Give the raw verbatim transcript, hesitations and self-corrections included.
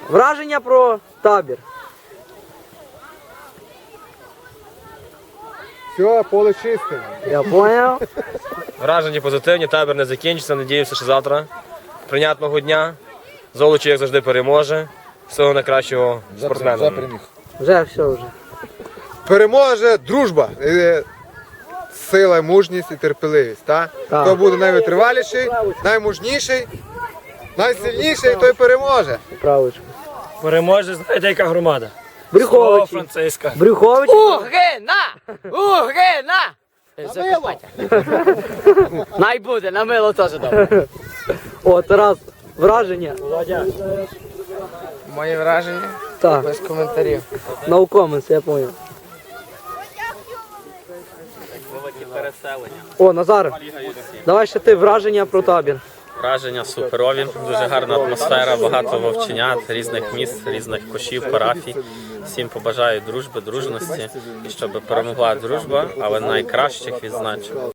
Враження про табір. Все, поле чисте. Я зрозумів. Враження позитивні, табір не закінчиться. Надіюся, що завтра прийнятного дня. Золочі, як завжди, переможе. Всього найкращого спортсменам. Вже все вже. Переможе дружба, е, сила, мужність і терпеливість. Та? Так. Хто буде найвитриваліший, наймужніший, найсильніший, той переможе. Правочку. Переможе, знаєте, яка громада? Брюховичі. Франциска. Брюховичі. Угрина! Угрина! Закарпаття. Най буде, на мило теж добре. О, Тарас, враження. Мої враження? Так, Без коментарів. no comments, я зрозумів. О, Назар, давай ще ти враження про табір. Враження суперові, дуже гарна атмосфера, багато вовченят, різних міст, різних кошів, парафій. Всім побажаю дружби, дружності і щоб перемогла дружба, але найкращих відзначив.